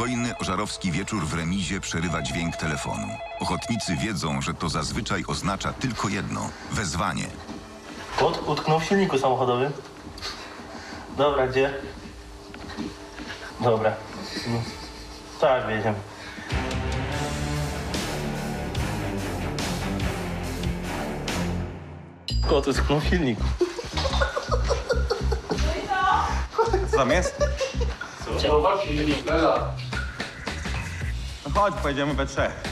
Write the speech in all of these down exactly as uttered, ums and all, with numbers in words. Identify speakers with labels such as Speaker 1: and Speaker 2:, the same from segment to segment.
Speaker 1: Spokojny, ożarowski wieczór w remizie przerywa dźwięk telefonu. Ochotnicy wiedzą, że to zazwyczaj oznacza tylko jedno – wezwanie.
Speaker 2: Kot utknął w silniku samochodowym. Dobra, gdzie? Dobra. No. Tak, wiedziałem. Kot utknął w silniku.
Speaker 3: Co tam jest? No chodź, pojedziemy we trzech.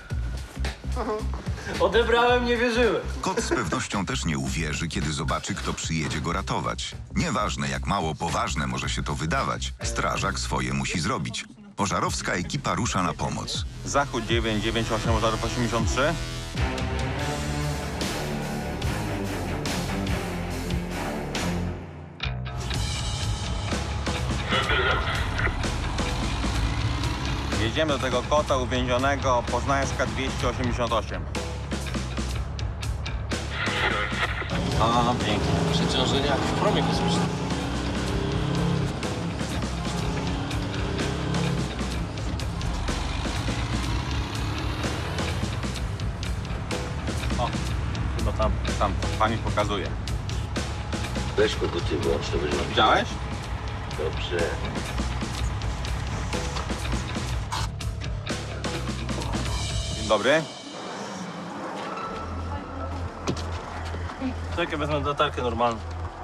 Speaker 2: Odebrałem, nie wierzyłem.
Speaker 1: Kot z pewnością też nie uwierzy, kiedy zobaczy, kto przyjedzie go ratować. Nieważne, jak mało poważne może się to wydawać, strażak swoje musi zrobić. Pożarowska ekipa rusza na pomoc.
Speaker 3: Zachód dziewięć dziewięć osiem Ożarów osiemdziesiąt trzy. Jedziemy do tego kota uwięzionego Poznańska dwieście osiemdziesiąt osiem. A, pięknie.
Speaker 2: Przeciążenie jak w promie kosmicznym.
Speaker 3: O,
Speaker 2: Chyba tam.
Speaker 3: tam, pani pokazuje.
Speaker 4: Weź koguty włącz, to będzie...
Speaker 3: Widziałeś?
Speaker 4: Dobrze.
Speaker 3: Dzień dobry.
Speaker 2: Czekaj, wezmę latarkę normalną.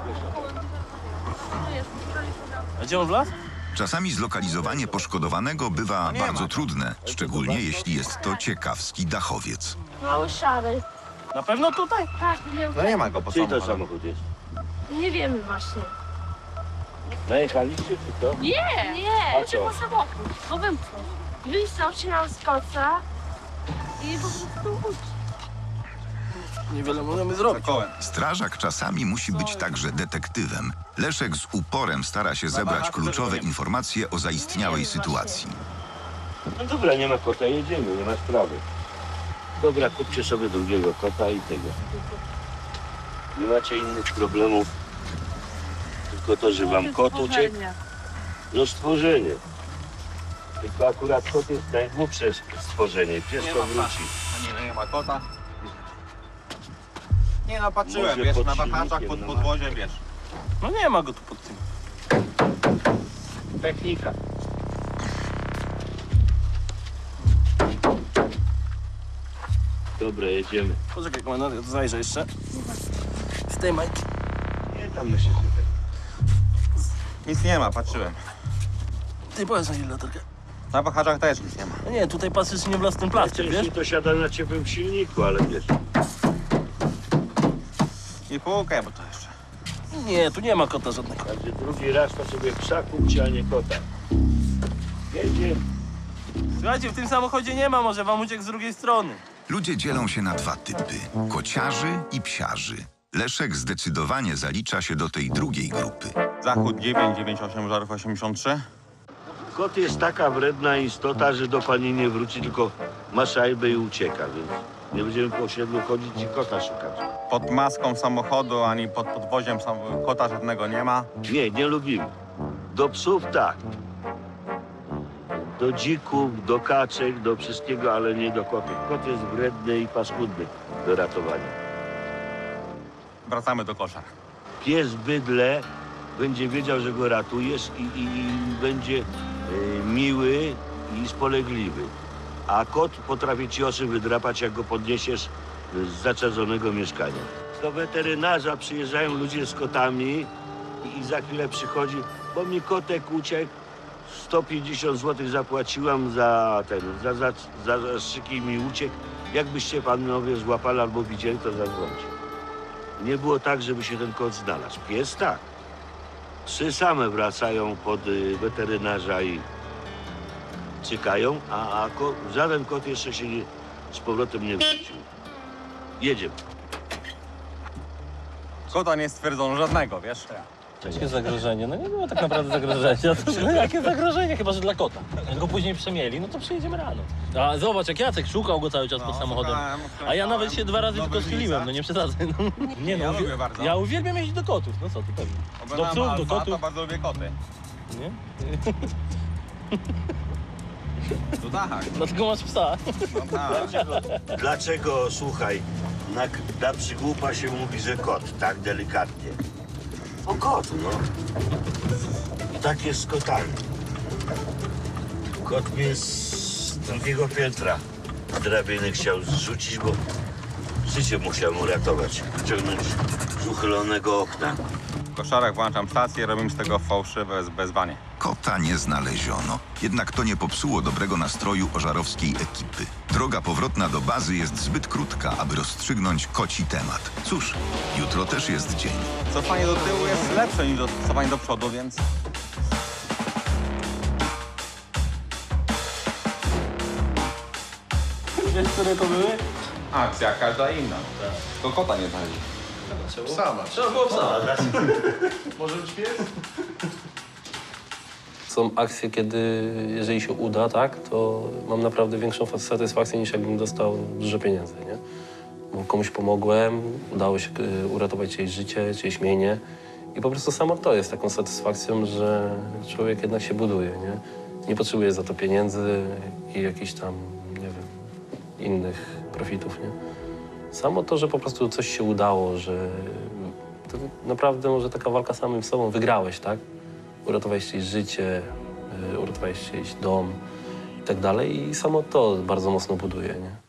Speaker 2: A gdzie on wlazł?
Speaker 1: Czasami zlokalizowanie poszkodowanego bywa
Speaker 3: nie
Speaker 1: bardzo
Speaker 3: ma.
Speaker 1: trudne, szczególnie jeśli jest to ciekawski dachowiec.
Speaker 5: Mały szary.
Speaker 2: Na pewno tutaj?
Speaker 5: Tak, nie,
Speaker 3: No nie ma go po
Speaker 4: Czyj to
Speaker 3: samochodzie.
Speaker 4: samochód jest?
Speaker 5: nie wiemy właśnie.
Speaker 4: Najechaliście czy to?
Speaker 5: Nie, nie,
Speaker 4: A co?
Speaker 5: tylko samochód. Bo wymknął. Wysłał się nam z koca i po prostu uciekł.
Speaker 2: Niewiele możemy zrobić.
Speaker 3: Za kołem.
Speaker 1: Strażak czasami musi być także detektywem. Leszek z uporem stara się zebrać kluczowe informacje o zaistniałej sytuacji.
Speaker 4: No dobra, nie ma kota, jedziemy, nie ma sprawy. Dobra, kupcie sobie drugiego kota i tego. Nie macie innych problemów. Tylko to, że wam kot uciekł, no stworzenie. Tylko akurat kot jest najgłupsze stworzenie, pieszo wróci.
Speaker 3: A nie, no nie ma kota. Nie no, patrzyłem,
Speaker 4: Może
Speaker 3: wiesz,
Speaker 4: pod
Speaker 3: na wahaczach,
Speaker 4: silnikiem,
Speaker 3: pod
Speaker 4: no.
Speaker 3: podwoziem, wiesz.
Speaker 2: No nie ma go tu pod tym.
Speaker 4: Technika. Dobra, jedziemy.
Speaker 2: Poczekaj, komendant, ja tu zajrzę jeszcze. Z tej majki.
Speaker 4: Nie, tam my się tutaj.
Speaker 3: Nic nie ma, patrzyłem.
Speaker 2: Ty powiedz na ile latarkę.
Speaker 3: Na wahaczach też nic nie ma.
Speaker 2: No nie, tutaj patrzysz, czy nie wlazł ten plastik, wiesz?
Speaker 4: Najczęściej to siada na ciepłym silniku, ale wiesz.
Speaker 3: I półkę, bo to jeszcze.
Speaker 2: Nie, tu nie ma kota żadnego.
Speaker 4: Także drugi raz to sobie psa kupcie, a nie kota. Jedzie.
Speaker 2: Słuchajcie, w tym samochodzie nie ma, może wam uciekł z drugiej strony.
Speaker 1: Ludzie dzielą się na dwa typy – kociarzy i psiarzy. Leszek zdecydowanie zalicza się do tej drugiej grupy.
Speaker 3: Zachód dziewięć dziewięć osiem Ożarów osiemdziesiąt trzy.
Speaker 4: Kot jest taka wredna istota, że do pani nie wróci, tylko ma szajbę i ucieka, więc nie będziemy po osiedlu chodzić i kota szukać.
Speaker 3: Pod maską samochodu ani pod podwoziem sam... kota żadnego nie ma.
Speaker 4: Nie, nie lubimy. Do psów tak. Do dzików, do kaczek, do wszystkiego, ale nie do kotów. Kot jest wredny i paskudny do ratowania.
Speaker 3: Wracamy do koszar.
Speaker 4: Pies bydle będzie wiedział, że go ratujesz i, i, i będzie e, miły i spolegliwy. A kot potrafi ci oczy wydrapać, jak go podniesiesz z zaczadzonego mieszkania. Do weterynarza przyjeżdżają ludzie z kotami i, i za chwilę przychodzi, bo mi kotek uciekł, sto pięćdziesiąt złotych zapłaciłam za ten, za, za, za zastrzyki mi uciekł. Jakbyście panowie złapali albo widzieli, to zadzwońcie. Nie było tak, żeby się ten kot znalazł. Pies tak. Trzy same wracają pod y, weterynarza i cykają, a, a ko, żaden kot jeszcze się nie, z powrotem nie wrócił. Jedziemy.
Speaker 3: Kota nie stwierdzono żadnego, wiesz?
Speaker 2: Jakie zagrożenie? No nie było tak naprawdę zagrożenia. To, no jakie zagrożenie? Chyba, że dla kota. Jak go później przemieli, no to przyjedziemy rano. A zobacz, jak Jacek szukał go cały czas pod samochodem.
Speaker 3: szukałem,
Speaker 2: A ja nawet się dwa razy
Speaker 3: nowy
Speaker 2: tylko schyliłem,
Speaker 3: lizak.
Speaker 2: no nie przesadzaj. No. Nie no,
Speaker 3: Ja
Speaker 2: uwie-
Speaker 3: lubię bardzo.
Speaker 2: ja uwielbiam jeździć do kotów, no co ty pewnie. Do
Speaker 3: Oglądam
Speaker 2: psów, do
Speaker 3: Alfa, to
Speaker 2: kotów.
Speaker 3: bardzo lubię koty.
Speaker 2: Nie?
Speaker 3: No tak,
Speaker 2: Dlatego masz psa.
Speaker 3: no tak.
Speaker 4: Dlaczego, dlaczego, słuchaj, na, na przygłupa się mówi, że kot, tak delikatnie? O kot, no. I tak jest z kotami. Kot mnie z drugiego piętra drabiny chciał zrzucić, bo życie musiał uratować. Wyciągnąć z uchylonego okna.
Speaker 3: W koszarach włączam stację, robimy z tego fałszywe bezwanie.
Speaker 1: Kota nie znaleziono, jednak to nie popsuło dobrego nastroju ożarowskiej ekipy. Droga powrotna do bazy jest zbyt krótka, aby rozstrzygnąć koci temat. Cóż, jutro też jest dzień.
Speaker 3: Cofanie do tyłu jest lepsze niż do- cofanie do przodu, więc...
Speaker 2: Wiesz, które to były?
Speaker 3: Akcja każda inna. Tylko kota nie znaleźli.
Speaker 2: Trzeba było psa. Są akcje, kiedy, jeżeli się uda, tak, to mam naprawdę większą satysfakcję niż jakbym dostał dużo pieniędzy, nie? Bo komuś pomogłem, udało się y, uratować czyjeś życie, czyjeś mienie i po prostu samo to jest taką satysfakcją, że człowiek jednak się buduje, nie? Nie potrzebuje za to pieniędzy i jakichś tam, nie wiem, innych profitów, nie? Samo to, że po prostu coś się udało, że to naprawdę może taka walka z samym sobą, wygrałeś, tak? Uratowałeś czyjeś życie, y, uratowałeś czyjś dom i tak dalej i samo to bardzo mocno buduje, nie?